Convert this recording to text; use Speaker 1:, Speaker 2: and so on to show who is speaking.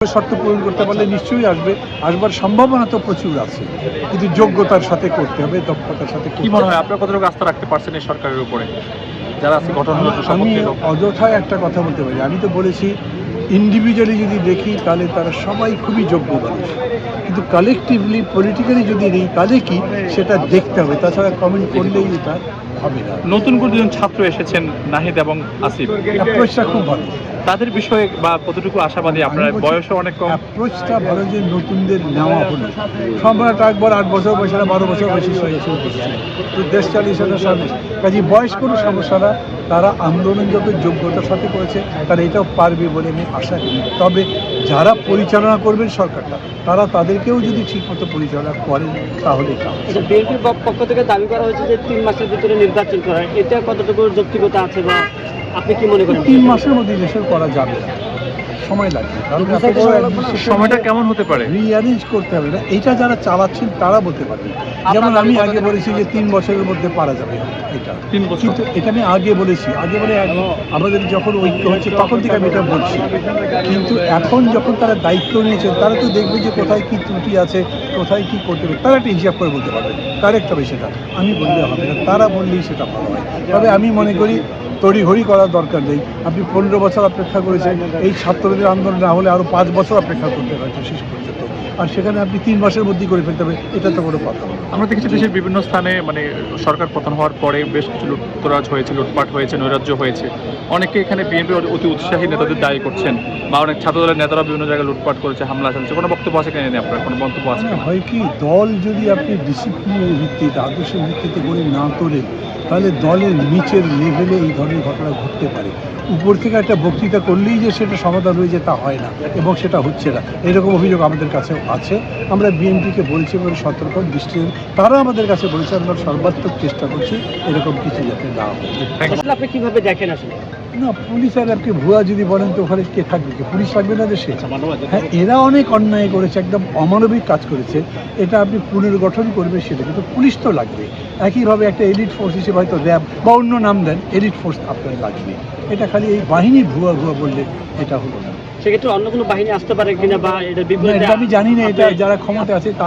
Speaker 1: শর্ত পূরণ করতে পারলে নিশ্চয়ই আসবে, আসবার সম্ভাবনা তো প্রচুর আছে, কিন্তু যোগ্যতার সাথে করতে হবে, দক্ষতার সাথে
Speaker 2: কি মনে হয় আপনার কতটুকু আস্থা রাখতে পারছেন এই সরকারের উপরে যারা আজকে গঠন হলো শপথ
Speaker 1: আমি
Speaker 2: নিল?
Speaker 1: অযথায় একটা কথা বলতে পারি, আমি তো বলেছি ইন্ডিভিজুয়ালি যদি দেখি তাহলে তারা সবাই খুবই যোগ্য মানুষ, কিন্তু কালেকটিভলি পলিটিক্যালি যদি নেই তাহলে কি সেটা দেখতে হবে, তাছাড়া কমেন্ট করলেই এটা হবে না।
Speaker 2: নতুন করে দুজন ছাত্র এসেছেন, নাহিদ এবং আসিফ,
Speaker 1: অ্যাপ্রোচটা খুব ভালো,
Speaker 2: তাদের বিষয়ে বা কতটুকু আশাবাদী? আপনার বয়সও অনেক কম।
Speaker 1: অ্যাপ্রোচটা ভালো যে নতুনদের নেওয়া হলো, সম্রাট আকবর 8 বছর বয়সে 12 বছর বয়সে শুরু করছে, তো দেশ চালিয়েছে না সামনে, কাজে বয়স কোনো সমস্যা না, তারা আন্দোলন যত যোগ্যতার সাথে করেছে তারা এটাও পারবে বলে আমি আশা করি। তবে যারা পরিচালনা করবেন সরকারটা, তারা তাদেরকেও যদি ঠিকমতো পরিচালনা করেন তাহলে এটা হবে।
Speaker 3: এটা বিএনপির পক্ষ থেকে দাবি করা হয়েছে যে 3 মাসের ভিতরে নির্বাচন করা, এটা কতটুকু যৌক্তিকতা আছে বা আপনি কি মনে করেন?
Speaker 1: 3 মাসের মধ্যে দেশের করা যাবে না, সময় লাগবে, কারণ
Speaker 2: সময়টা কেমন হতে পারে?
Speaker 1: রিঅ্যারেঞ্জ করতে হবে না, এটা যারা চালাচ্ছেন তারা বলতে পারবেন। যেমন আমি আগে বলেছি যে 3 বছরের মধ্যে পারা যাবে এটা,
Speaker 2: 3 বছর।
Speaker 1: কিন্তু এটা আমি আগে বলেছি, আগে বলে আমাদের যখন ঐক্য হচ্ছে তখন থেকে আমি এটা বলছি, কিন্তু এখন যখন তারা দায়িত্ব নিয়েছেন তারা তো দেখবে যে কোথায় কি ত্রুটি আছে, কোথায় কি করতে হবে, তারা একটা হিসাব করে বলতে পারবে, কারেক্ট হবে সেটা, আমি বললে হবে না, তারা বললেই সেটা ভালো হয়। তবে আমি মনে করি তড়িঘড়ি করার দরকার নেই। আপনি 15 বছর অপেক্ষা করেছেন, এই ছাত্রদের আন্দোলন না হলে আরও 5 বছর অপেক্ষা করতে হয়তো শেষ পর্যন্ত, আর সেখানে আপনি 3 মাসের মধ্যেই করে ফেলতে হবে, এটা তো কোনো কথা না।
Speaker 2: আমরা দেখেছি দেশের বিভিন্ন স্থানে মানে সরকার পতন হওয়ার পরে বেশ কিছু লুটতরাজ হয়েছে, লুটপাট হয়েছে, নৈরাজ্য হয়েছে। অনেকে এখানে বিএনপির অতি উৎসাহী নেতাদের দায়ী করছেন, বা অনেক ছাত্রদলের নেতারা বিভিন্ন জায়গায় লুটপাট করেছে, হামলা চালিয়েছে। কোনো বক্তব্য আছে কিনা নিয়ে আপনার? কোনো মন্তব্য আছে কিনা?
Speaker 1: হয় কি, দল যদি আপনি ডিসিপ্লিনের ভিত্তিতে, আদর্শের ভিত্তিতে গড়ে না তোলেন, তাহলে দলের নিচের লেভেলে এই ধরনের ঘটনা ঘটতে পারে। উপর থেকে একটা বক্তৃতা করলেই যে সেটা সমাধান হয়ে যায় তা হয় না, এবং সেটা হচ্ছে না, এরকম অভিযোগ আমাদের কাছেও আছে। আমরা বিএনপিকে বলছি এবং সতর্ক দৃষ্টি, তারা আমাদের কাছে বলেছে, আমরা সর্বাত্মক চেষ্টা করছি এরকম কিছু যাতে না হয়।
Speaker 3: আসলে আপনি কিভাবে দেখেন আসলে?
Speaker 1: না, পুলিশ আর আপনি ভুয়া যদি বলেন তো ওখানে কে থাকবে, কি পুলিশ থাকবে না দেশে? হ্যাঁ, এরা অনেক অন্যায় করেছে, একদম অমানবিক কাজ করেছে, এটা আপনি পুনর্গঠন করবে সেটা, কিন্তু পুলিশ তো লাগবে। একইভাবে একটা এলিট ফোর্স হিসেবে হয়তো র্যাব বা অন্য নাম দেন, এলিট ফোর্স আপনার লাগবে। এটা খালি এই বাহিনীর ভুয়া ভুয়া বললে এটা হলো না।
Speaker 3: সেক্ষেত্রে অন্য কোনো বাহিনী আসতে পারে কিনা বা এটা
Speaker 1: না, এটা আমি জানি না, এটা যারা ক্ষমতা আছে